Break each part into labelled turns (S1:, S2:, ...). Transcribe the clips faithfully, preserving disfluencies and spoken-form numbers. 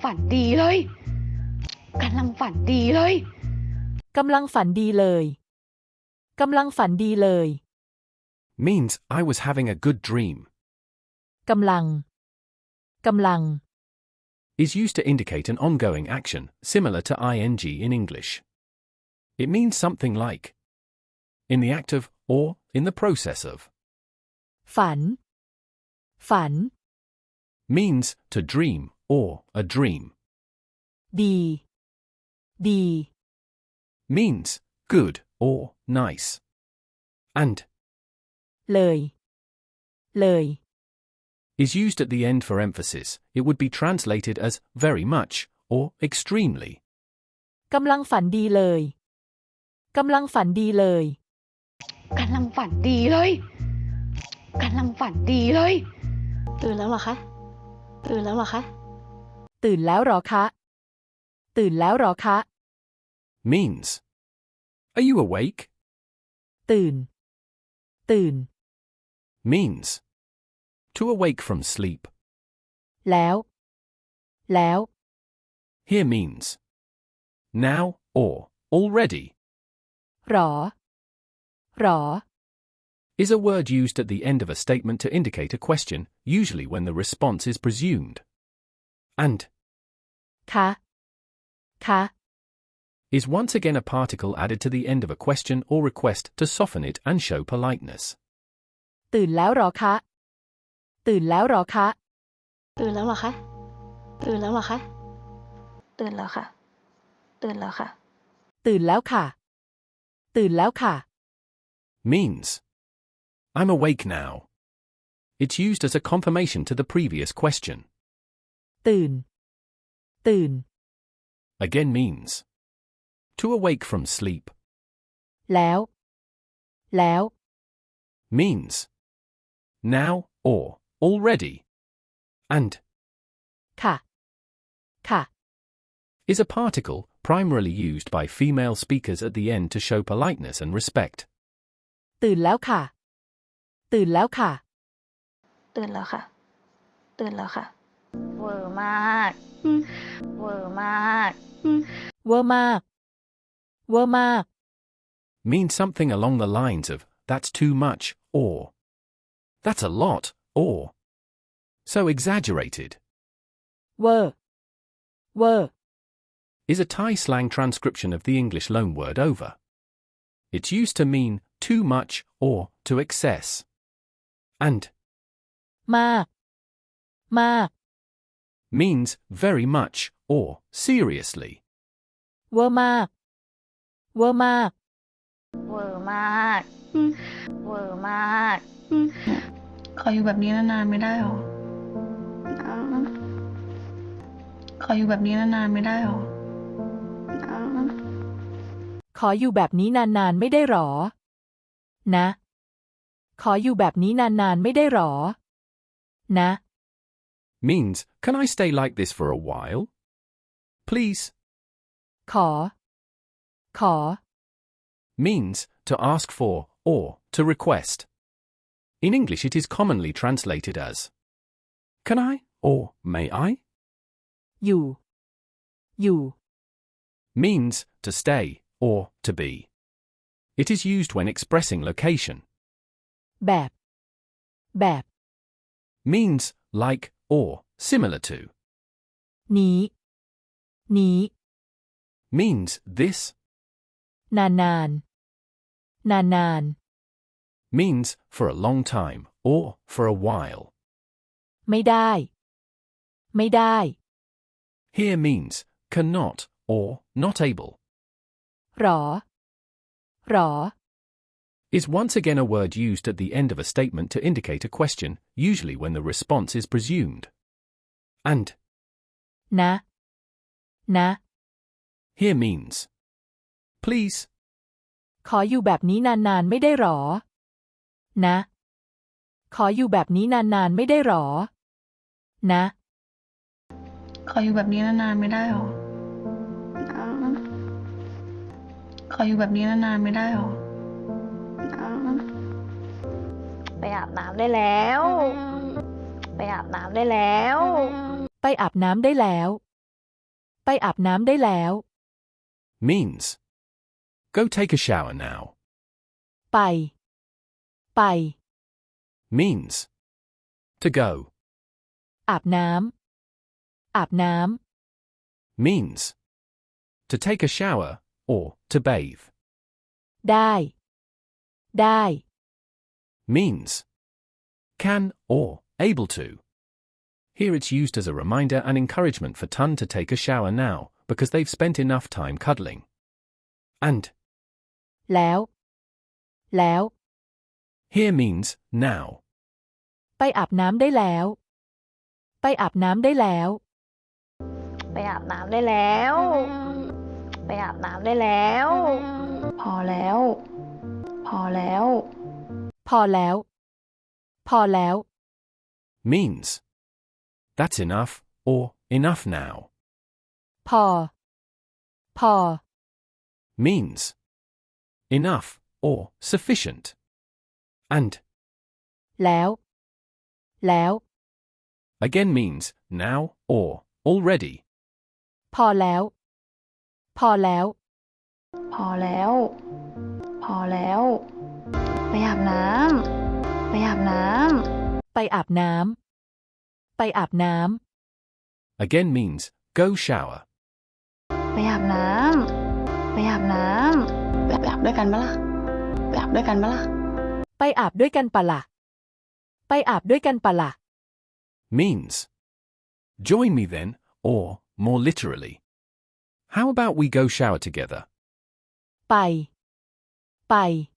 S1: ฝันดีเลยกำลังฝันดีเลย
S2: กำลังฝันดีเลยกำลังฝันดีเลย
S3: means I was having a good dream.
S2: กำลังกำลัง
S3: is used to indicate an ongoing action, similar to ing in English. It means something like in the act of or in the process of.
S2: ฝันฝัน
S3: means to dream or a dream.
S2: ดีดี
S3: means good or nice. And
S2: เลยเลย
S3: is used at the end for emphasis. It would be translated as very much or extremely.
S2: กำลังฝันดีเลยกำลังฝันดีเลย
S1: กำลังฝันดีเลยกำลังฝันดีเลยตื่นแล้วเหรอคะตื่นแล้วเหรอคะ
S2: ตื่นแล้วหรอคะตื่นแล้วหรอคะ
S3: means are you awake?
S2: ตื่นตื่น
S3: means to awake from sleep.
S2: แล้วแล้ว
S3: here means now or already.
S2: หรอหรอ
S3: is a word used at the end of a statement to indicate a question, usually when the response is presumed. And
S2: คะคะ
S3: is once again a particle added to the end of a question or request to soften it and show politeness.
S2: ตื่นแล้วหรอคะตื่นแล้วหรอคะ
S1: ตื่นแล้วเหรอคะตื่นแล้วเหรอคะตื่นแล้วค่ะตื่นแล้วค่ะ
S2: ตื่นแล้วค่ะตื่นแล้วค่ะ
S3: means I'm awake now. It's used as a confirmation to the previous question.
S2: ตื่นตื่น
S3: again means to awake from sleep.
S2: แล้วแล้ว
S3: means now or already. And
S2: ค่ะค่ะ
S3: is a particle primarily used by female speakers at the end to show politeness and respect.
S2: ตื่นแล้วค่ะตื่นแล้วค่ะ
S1: ตื่นแล้วค่ะตื่นแล้วค่ะเวอร์มากเวอร์มาก
S2: เวอร์มากเวอร์มาก
S3: means something along the lines of that's too much or that's a lot or so exaggerated.
S2: เวอร์เวอร์
S3: is a Thai slang transcription of the English loanword over. It's used to mean too much or to excess. And
S2: มากมาก
S3: means very much or seriously.
S2: เวอร์มากเวอร์มาก
S1: เวอร์มากเวอร์มากขออยู่แบบนี้นานๆไม่ได้หรอขออยู่แบบนี้นานๆไม่ได้หรอ
S2: ขออยู่แบบนี้นานๆไม่ได้หรอนะขออยู่แบบนี้นานๆไม่ได้หรอนะ
S3: means can I stay like this for a while? Please.
S2: ขอขอ
S3: means to ask for or to request. In English it is commonly translated as can I or may I?
S2: อยู่อยู่
S3: means to stay or to be. It is used when expressing location.
S2: แบบแบบ
S3: means like or similar to.
S2: นี้นี้
S3: means this.
S2: นานนานนานนาน
S3: means for a long time or for a while.
S2: ไม่ได้ไม่ได้
S3: here means cannot or not able.
S2: หรอหรอ
S3: is once again a word used at the end of a statement to indicate a question, usually when the response is presumed. And
S2: นะนะ
S3: here means please.
S2: ขออยู่แบบนี้นานๆไม่ได้หรอนะขออยู่แบบนี้นานๆไม่ได้หรอนะ
S1: ขออยู่แบบนี้นานๆไม่ได้หรอขออยู่แบบนี้นานๆไม่ได้หรอไปอาบน้ำได้แล้วไปอาบน้ำได้แล้ว
S2: ไปอาบน้ำได้แล้วอาบน้ำได้แล้ว
S3: means go take a shower now.
S2: ไป ไป
S3: Means to go.
S2: อาบน้ำ อาบน้
S3: Means to take a shower or to bathe.
S2: ำ ได้ ได้
S3: Means can or able to. Here it's used as a reminder and encouragement for Tun to take a shower now because they've spent enough time cuddling. And
S2: แล้ว แล้ว
S3: here means now.
S2: ไปอาบน้ำได้แล้ว ไปอาบน้ำได้แล้ว
S4: ไปอาบน้ำได้แล้ว ไปอาบน้ำได้แล้ว พอแล้ว พอแล้ว
S2: พอแล้ว พอแล้ว
S3: Means that's enough or enough now.
S2: พอ พอ
S3: Means enough or sufficient. And
S2: แล้ว แล้ว
S3: again means now or already.
S2: พอแล้ว พอแล้ว
S4: พอแล้ว พอแล้ว ไปอาบน้ำ ไปอาบน้ำ
S2: ไปอาบน้ำ ไปอาบน้
S3: Again means go shower.
S4: ไปอาบน้ำ ไปอาบน้ำ
S1: ไปอาบด้วยกันปะล่ะไปอาบด้วยกันปะล่ะ
S2: ำ ไปอาบด้วยกันปะล่ะ ไปอาบด้วยกันปะล่ะ
S3: Means join me then, or more literally, how about we go shower together?
S2: ไป ไป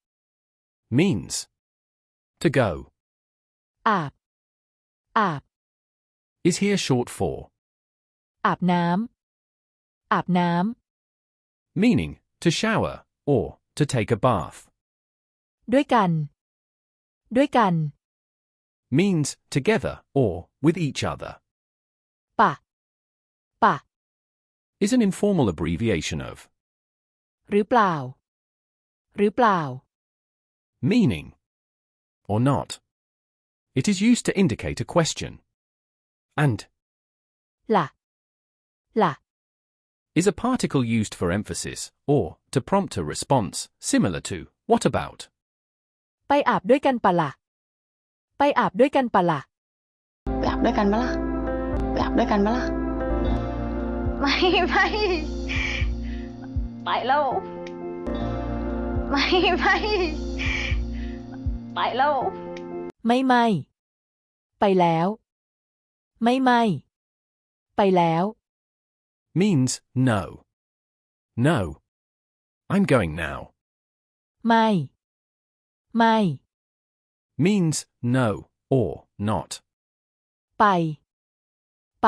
S3: Means to go.
S2: อาบ อาบ
S3: Is here short for,
S2: อาบน้ำ อาบน้
S3: meaning to shower or to take a bath.
S2: ำ ด้วยกัน ด้วยกัน
S3: Means together or with each other.
S2: ปะ ปะ
S3: Is an informal abbreviation of,
S2: หรือเปล่า หรือเปล่า
S3: meaning or not. It is used to indicate a question. And
S2: ล่ะ ล่ะ
S3: is a particle used for emphasis or to prompt a response, similar to what about.
S2: ไปอาบด้วยกันปะล่ะ ไปอาบด้วยกันปะล่ะ
S1: ไปอาบด้วยกันปะล่ะไปอาบด้วยกันปะล่ะ
S4: ไม่ ไม่ ไปแล้ว ไม่ ไม่ ไปแล้ว
S2: ไม่ไม่ ไปแล้ว ไม่ไม่ ไปแล้ว
S3: Means no. No. I'm going now.
S2: ไม่ ไม่
S3: Means no or not.
S2: ไป ไป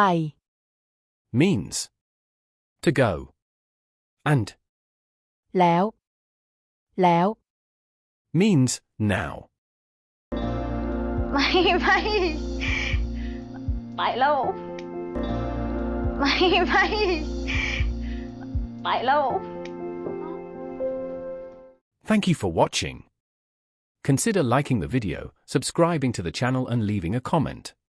S3: Means to go. And
S2: แล้ว แล้ว
S3: means now.
S4: ไม่ ไม่ ไปแล้ว ไม่ ไม่ ไปแล้ว
S3: Thank you for watching. Consider liking the video, subscribing to the channel and leaving a comment.